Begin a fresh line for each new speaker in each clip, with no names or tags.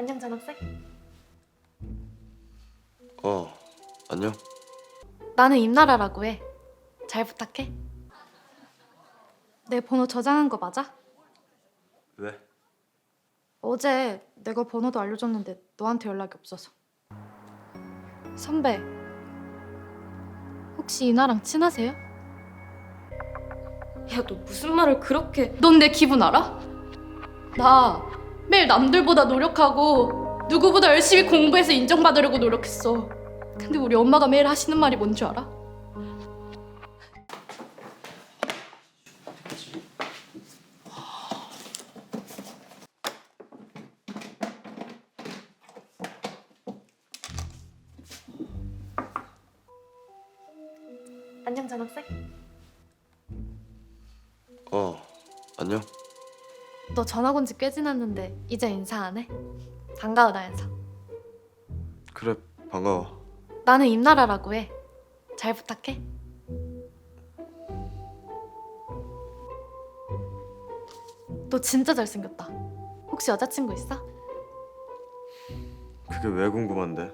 안녕 전학생.
안녕.
나는 임나라라고 해. 잘 부탁해. 내 번호 저장한 거 맞아?
왜?
어제 내가 번호도 알려줬는데 너한테 연락이 없어서. 선배, 혹시 이나랑 친하세요?
야, 너 무슨 말을 그렇게...
넌 내 기분 알아? 나 매일 남들보다 노력하고 누구보다 열심히 공부해서 인정받으려고 노력했어. 근데 우리 엄마가 매일 하시는 말이 뭔 줄 알아? 안녕 전학생.
안녕.
너 전학 온 지 꽤 지났는데 이제 인사 안 해? 반가워 연서.
그래, 반가워.
나는 임나라라고 해. 잘 부탁해. 너 진짜 잘생겼다. 혹시 여자친구 있어?
그게 왜 궁금한데?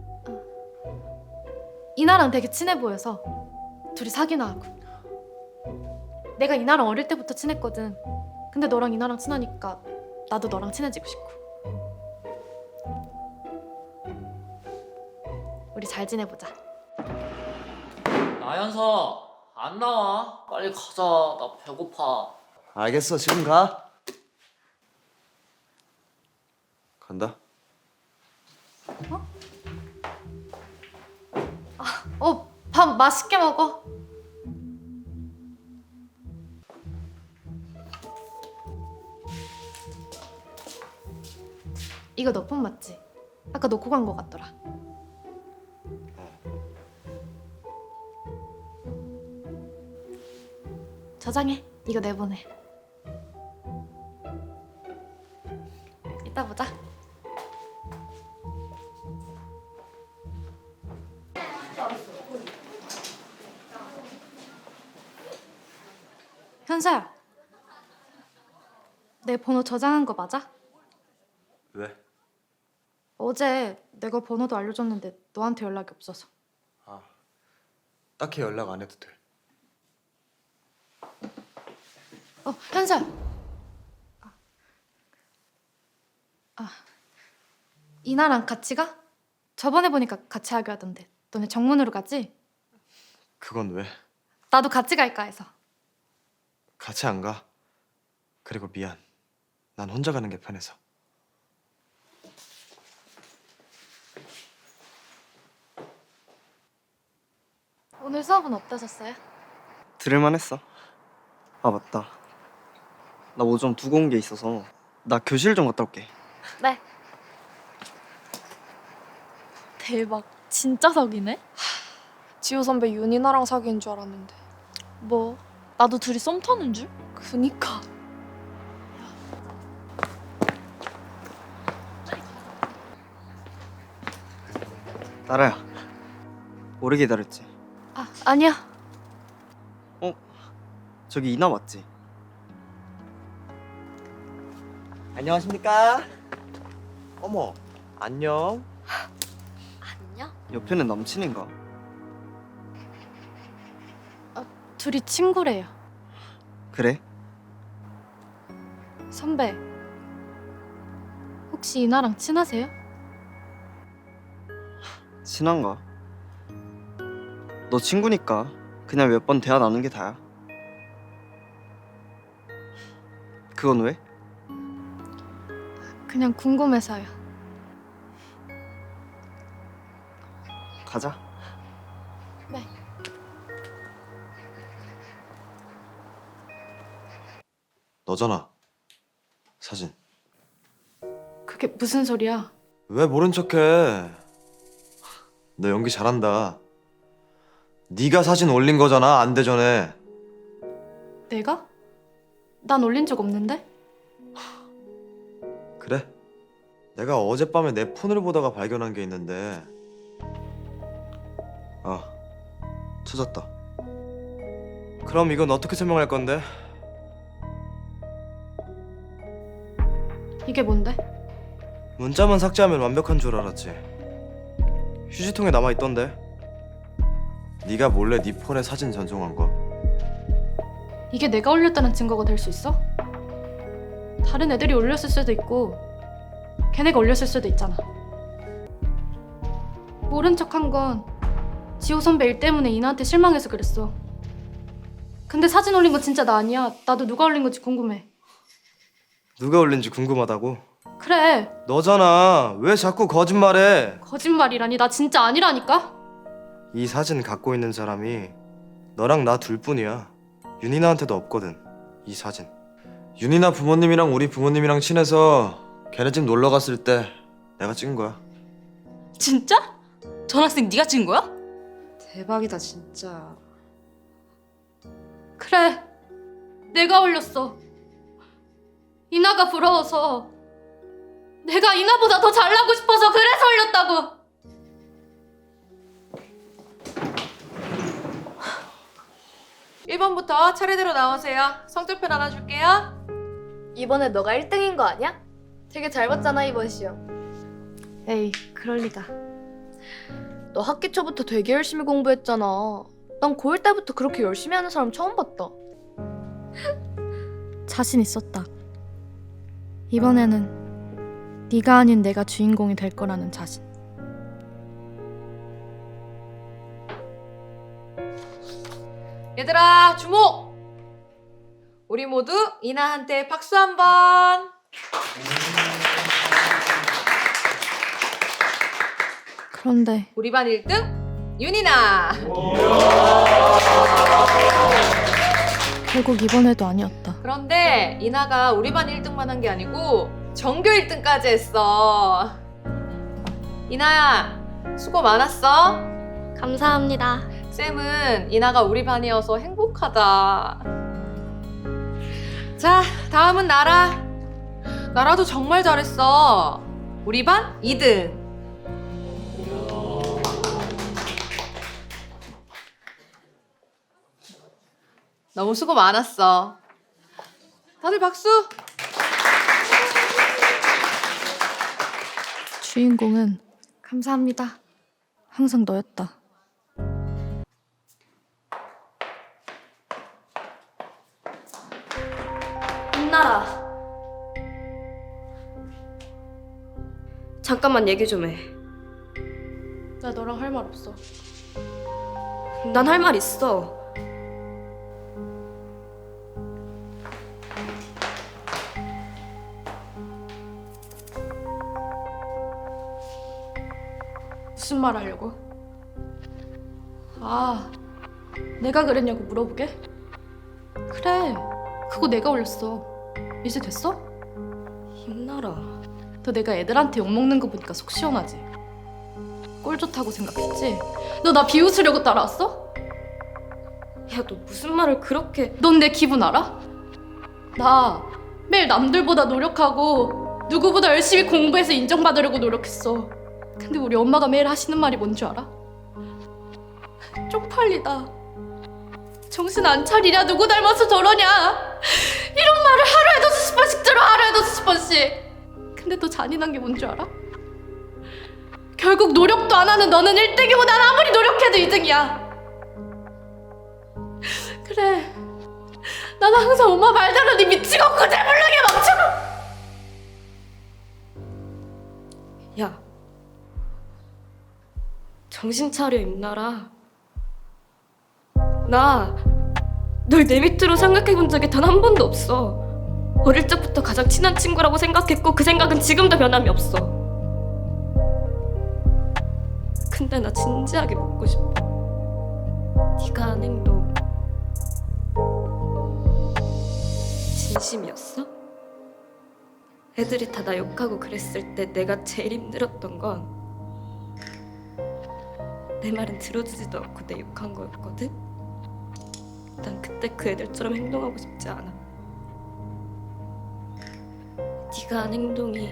이나랑 되게 친해 보여서 둘이 사귀나 하고. 내가 이나랑 어릴 때부터 친했거든. 근데 너랑 이나랑 친하니까 나도 너랑 친해지고 싶고. 우리 잘 지내보자.
나연서 안 나와. 빨리 가자. 나 배고파.
알겠어, 지금 가. 간다.
밥 맛있게 먹어. 이거 너 폰 맞지? 아까 놓고 간 거 같더라. 저장해. 이거 내보내. 이따 보자. 현서야. 내 번호 저장한 거 맞아?
왜?
어제 내가 번호도 알려줬는데 너한테 연락이 없어서.
딱히 연락 안 해도 돼.
현서야. 이나랑 같이 가? 저번에 보니까 같이 하기로 하던데. 너네 정문으로 가지?
그건 왜?
나도 같이 갈까 해서.
같이 안 가. 그리고 미안. 난 혼자 가는 게 편해서.
오늘 수업은 어떠셨어요?
들을만 했어. 아 맞다. 나 뭐 좀 두고 온 게 있어서 나 교실 좀 갔다 올게.
네.
대박. 진짜 사귀네?
지호 선배 윤이나랑 사귄 줄 알았는데.
뭐? 나도 둘이 썸 타는 줄?
그니까.
나라야. 오래 기다렸지?
아니야.
저기 이나 맞지? 안녕하십니까?
어머, 안녕.
안녕?
옆에는 남친인가?
둘이 친구래요.
그래?
선배. 혹시 이나랑 친하세요?
친한가? 너 친구니까 그냥 몇 번 대화 나눈 게 다야. 그건 왜?
그냥 궁금해서요.
가자.
네.
너잖아. 사진.
그게 무슨 소리야?
왜 모른 척해? 너 연기 잘한다. 네가 사진 올린 거잖아, 안 되전에.
내가? 난 올린 적 없는데?
그래? 내가 어젯밤에 내 폰을 보다가 발견한 게 있는데. 찾았다. 그럼 이건 어떻게 설명할 건데?
이게 뭔데?
문자만 삭제하면 완벽한 줄 알았지. 휴지통에 남아있던데.
네가 몰래 네 폰에 사진 전송한 거.
이게 내가 올렸다는 증거가 될 수 있어? 다른 애들이 올렸을 수도 있고 걔네가 올렸을 수도 있잖아. 모른 척한 건 지호 선배 일 때문에 이나한테 실망해서 그랬어. 근데 사진 올린 건 진짜 나 아니야. 나도 누가 올린 건지 궁금해.
누가 올린지 궁금하다고?
그래,
너잖아. 왜 자꾸 거짓말해?
거짓말이라니. 나 진짜 아니라니까.
이 사진 갖고 있는 사람이 너랑 나 둘뿐이야. 윤이나한테도 없거든. 이 사진.
윤이나 부모님이랑 우리 부모님이랑 친해서 걔네 집 놀러 갔을 때 내가 찍은 거야.
진짜? 전학생 네가 찍은 거야?
대박이다 진짜.
그래, 내가 올렸어. 이나가 부러워서. 내가 이나보다 더 잘나고 싶어서 그래서 올렸다고.
(1번부터) 차례대로 나오세요. 성적표 나눠줄게요.
이번에 너가 1등인 거 아니야? 되게 잘 봤잖아 이번 시험. 에이 그럴 리가. 너 학기 초부터 되게 열심히 공부했잖아. 난 고1 때부터 그렇게 열심히 하는 사람 처음 봤다.
자신 있었다. 이번에는 네가 아닌 내가 주인공이 될 거라는 자신.
얘들아 주목! 우리 모두 이나한테 박수 한번.
그런데
우리 반 1등 윤이나.
결국 이번에도 아니었다.
그런데 이나가 우리 반 1등만 한 게 아니고 전교 1등까지 했어. 이나야 수고 많았어.
감사합니다.
쌤은 이나가 우리 반이어서 행복하다. 자, 다음은 나라. 나라도 정말 잘했어. 우리 반 2등. 너무 수고 많았어. 다들 박수.
주인공은 감사합니다. 항상 너였다.
빛나라. 잠깐만 얘기 좀 해.
나 너랑 할 말 없어.
난 할 말 있어.
무슨 말 하려고? 아, 내가 그랬냐고 물어보게? 그래, 그거 내가 올렸어. 이제 됐어?
빛나라.
너 내가 애들한테 욕먹는 거 보니까 속 시원하지? 꼴 좋다고 생각했지? 너 나 비웃으려고 따라왔어?
야, 너 무슨 말을 그렇게...
넌 내 기분 알아? 나 매일 남들보다 노력하고 누구보다 열심히 공부해서 인정받으려고 노력했어. 근데 우리 엄마가 매일 하시는 말이 뭔 줄 알아? 쪽팔리다. 정신 안 차리냐? 누구 닮아서 저러냐? 이런 말을 하루에도 수십 번씩 들어. 하루에도 수십 번씩. 근데 또 잔인한 게 뭔 줄 알아? 결국 노력도 안 하는 너는 1등이고 난 아무리 노력해도 2등이야. 그래, 난 항상 엄마 말대로 네 미치고 구제불능에 멈추고.
야, 정신 차려 임나라. 나 널 내 밑으로 생각해본 적이 단 한 번도 없어. 어릴 적부터 가장 친한 친구라고 생각했고 그 생각은 지금도 변함이 없어. 근데 나 진지하게 묻고 싶어. 네가 한 행동 진심이었어? 애들이 다 나 욕하고 그랬을 때 내가 제일 힘들었던 건 내 말은 들어주지도 않고 내 욕한 거였거든? 난 그때 그 애들처럼 행동하고 싶지 않아. 네가 한 행동이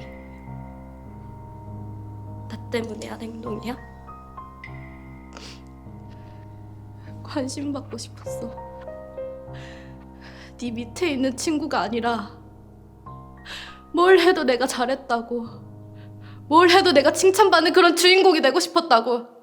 나 때문에 한 행동이야?
관심 받고 싶었어. 네 밑에 있는 친구가 아니라 뭘 해도 내가 잘했다고, 뭘 해도 내가 칭찬받는 그런 주인공이 되고 싶었다고.